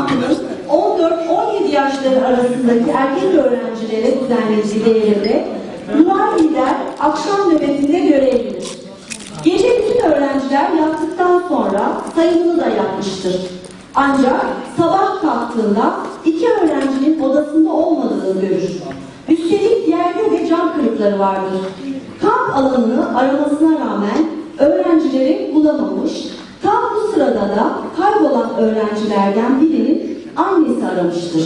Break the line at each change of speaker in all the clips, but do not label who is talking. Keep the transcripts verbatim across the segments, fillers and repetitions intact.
kampının on dört on yedi yaşları arasındaki erkek öğrencilere düzenlediği değerinde Nuray Lider akşam nöbetinde görevlidir. Gece bütün öğrenciler yattıktan sonra sayımını da yapmıştır. Ancak sabah kalktığında iki öğrencinin odasında olmadığını görür. Üstelik yerde de cam kırıkları vardır. Kamp alanını aramasına rağmen öğrencileri bulamamış. Tam bu sırada da kaybolan öğrencilerden birinin annesi aramıştır.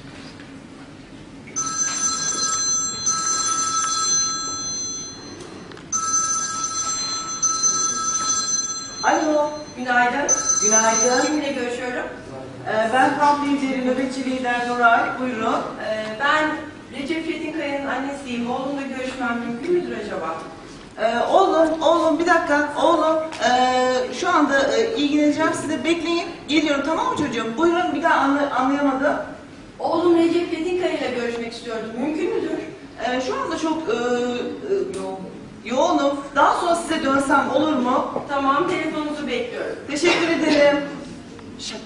Alo, günaydın.
Günaydın.
Kiminle görüşüyorum?
Ee, ben kamp lideri, nöbetçi lider Nuray. Buyurun.
Ee, ben Recep Çetinkaya'nın annesiyim. Oğlumla görüşmem mümkün müdür acaba?
Ee, oğlum, oğlum bir dakika. Oğlum, ee, şu anda ee, ilgileneceğim size. Bekleyin. Geliyorum, tamam mı çocuğum? Buyurun, bir daha anla, anlayamadım.
Oğlum Recep Çetinkaya ile görüşmek istiyordum. Mümkün müdür?
Ee, şu anda çok ee, ee, yo yoğunum. Daha sonra size dönsem olur mu?
Tamam, telefonunuzu bekliyorum.
Teşekkür ederim. Şaka.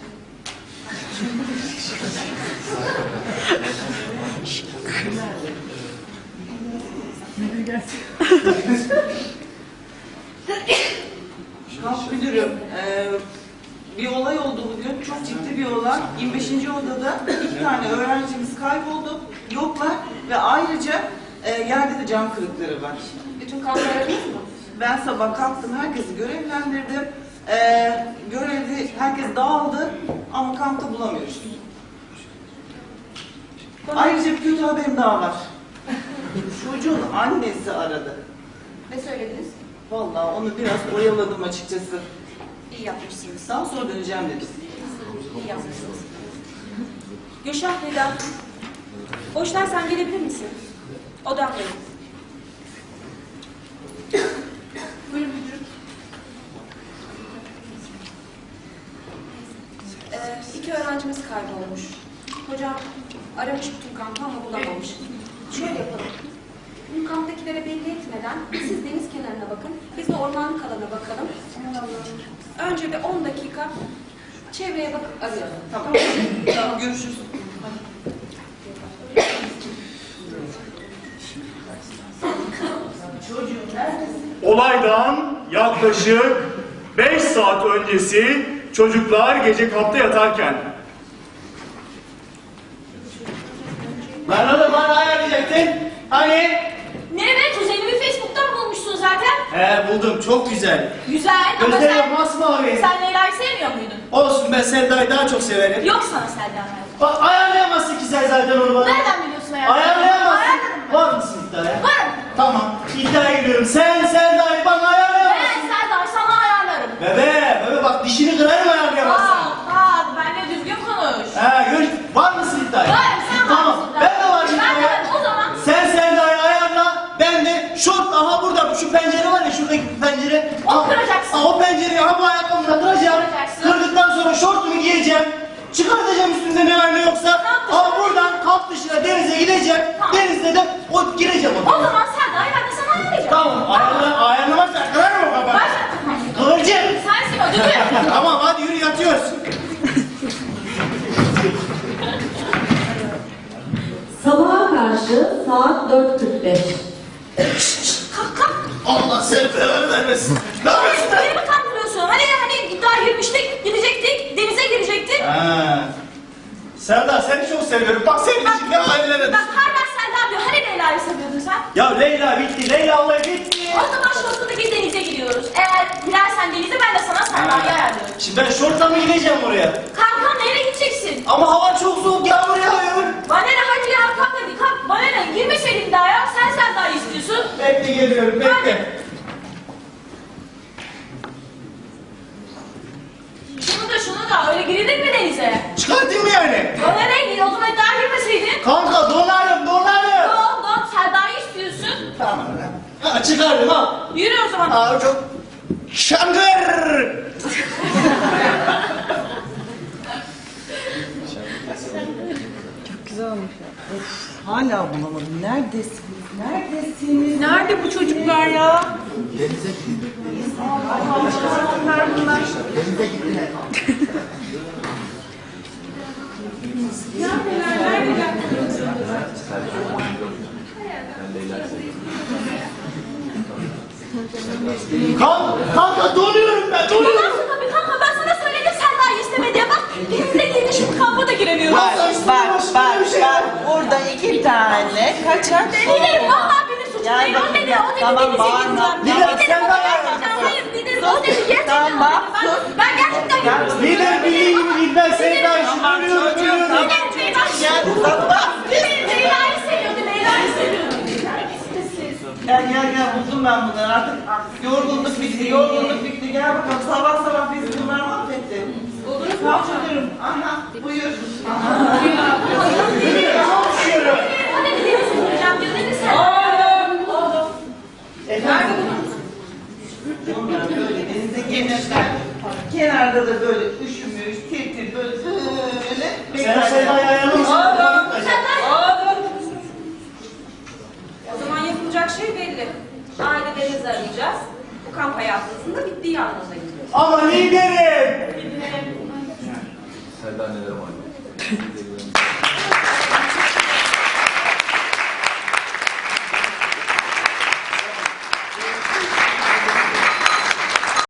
Kamp müdürüm, ee, bir olay oldu bugün, çok ciddi bir olay. yirmi beşinci odada iki tane öğrencimiz kayboldu, yoklar ve ayrıca e, yerde de cam kırıkları var.
Bütün kampları aradınız mı?
Ben sabah kalktım, herkesi görevlendirdim. Ee, görevli, herkes dağıldı ama kampta bulamıyoruz. Ayrıca bir kötü haberim daha var. Çocuğun annesi aradı.
Ne söylediniz?
Vallahi onu biraz oyaladım açıkçası.
İyi yapmışsınız.
Daha sonra döneceğim dedim.
İyi yapmışsınız.
Gülşah Nida, boşlarsan gelebilir misin? Odamdayım.
Buyurun müdürüm.
Ee, iki öğrencimiz kaybolmuş. Hocam aramış bütün kampı ama bulamamış. Şöyle yapalım. Bu kamptakilere belli etmeden siz deniz kenarına bakın, biz de ormanlık alana bakalım. Önce bir on dakika çevreye bakıp arayalım.
Tamam. Tamam, görüşürüz. Çocuğum neredesin?
Olaydan yaklaşık beş saat öncesi çocuklar gece kampta yatarken.
Lan oğlum bana ayarlayacaktın. Hani?
Ne be? Kuzenimi Facebook'tan bulmuşsun zaten.
He buldum, çok güzel.
Güzel ama
Gözleri
sen,
masmavi.
sen Leyla'yı sevmiyor muydun?
Olsun, ben Selda'yı daha çok severim.
Yok sana Selda Merve.
Bak ayarlayamazsın ki sen zaten onu bana.
Nereden biliyorsun hayatım?
Ayarlayamazsın.
Ayarlarım.
Var mısın iddiaya?
Varım.
Tamam, iddiaya giriyorum. Sen Selda'yı bana ayarlayamazsın.
Ben Selda'yı sana ayarlarım.
Bebe, bebe bak dişini kırarım ayarlayamazsın.
Aa, aa, benimle düzgün konuş.
He, gör, var mısın iddiaya?
Varım, sen
Tamam,
varsın.
ben de varım
Ben de
iddiaya.
varım, o zaman.
Sen Selda'yı ayarla, ben de şort, aha burada şu pencere var ya, şuradaki pencere.
O
Aha,
kıracaksın.
aha, o pencereyi aha bu ayakkabımla kıracağım.
Kıracaksın.
Kırdıktan sonra şortumu giyeceğim. Çıkartacağım üstünde ne var ne yoksa.
Kamp dışına.
Aha buradan kamp dışına denize gideceğim.
Tamam.
Denizde de o gireceğim
O
o.
zaman Selda'yı ben de sana ayarlayacağım.
Tamam, ayarla, ayarlamazsan kırarım o kafanı.
Başla.
Kıvırcık.
Sensin o düdüğü.
Tamam hadi yürü, yatıyoruz.
Sabaha karşı saat dört kırk beş.
Kalk kalk.
Allah seni belanı vermesin. Ne yapıyorsun?
Beni mi kandırıyorsun? Hani hani iddia girmiştik, gidecektik, denize girecektik.
Ha. Selda seni çok seviyorum. Bak senin için ne hallere
Bak
düştüm.
hala Selda diyor. Hani Leyla'yı seviyordun sen?
Ya Leyla bitti. Leyla olayı bitti.
O zaman şortundaki denize gidiyoruz. Eğer girersen denize ben de sana Selda'yı ayarlıyorum.
Şimdi ben şortla mı gideceğim oraya?
Kalk nereye gideceksin?
Ama hava çok soğuk, yağmur yağıyor.
Bana ne hadi ya kalk hadi kalk. Bana ne girmeseydin daha ya. Sen Selda'yı istiyorsun.
Bekle geliyorum, bekle.
Şunu da şunu da öyle girilir mi denize?
Çıkartayım mı yani?
Bana ne? O zaman iddia girmeseydin.
Kanka donarım, donarım.
Don don Selda'yı istiyorsun.
Tamam lan. Ha, çıkardım ha.
Yürü o zaman.
Aa çok... Şangır!
Güzel olmuş ya. Of, hala bulamadım. Neredesiniz? Neredesiniz?
Nerede bu çocuklar ya?
Denize gittiler.
Kanka, kanka donuyorum ben, donuyorum.
Tabii kanka ben sana söyledim Selma'yı isteme diye bak. Benimle değil şimdi kampa da giremiyorum.
Bak, bak, bak, bak.
Burada iki tane kaçak
Giderim vallahi benim suçum
Ya
değil. O
bakın
dedi,
ya,
o dedi
tamam,
denize
bağırma.
gideceğim.
Lider,
Giderim,
sen
o
var ya.
gerçekten, hayır giderim. O dedi gerçekten.
Tamam,
Ben, ben gerçekten gidiyorum.
Lider bildiğin gibi değil, ben Sevda'yı
Tamam,
ölüyorum,
çocuğum,
ölüyorum.
tamam.
Giderim Beyler.
Gel, tamam.
Leyla'yı seviyordu. Leyla'yı seviyordu.
Gel gel gel buldum ben bunları artık yorgunluk bitti yorgunluk bitti gel bakalım sabah sabah bizi bunlar mahvetti. Buldunuz mu? Hatırlıyorum. Aha buyur.
O dedi denize gideceğim diyor. Dedi sen.
Bunlar böyle denize gelirler. Kenarda da böyle üşümüş tir tir böyle böyle
Sen Sevda'yı ayarlamışsın.
O zaman yapılacak şey belli. Aile denizi arayacağız. Bu kamp hayatımızın da bittiği anlamına gidiyoruz.
Ama liderim.
Selda neler var?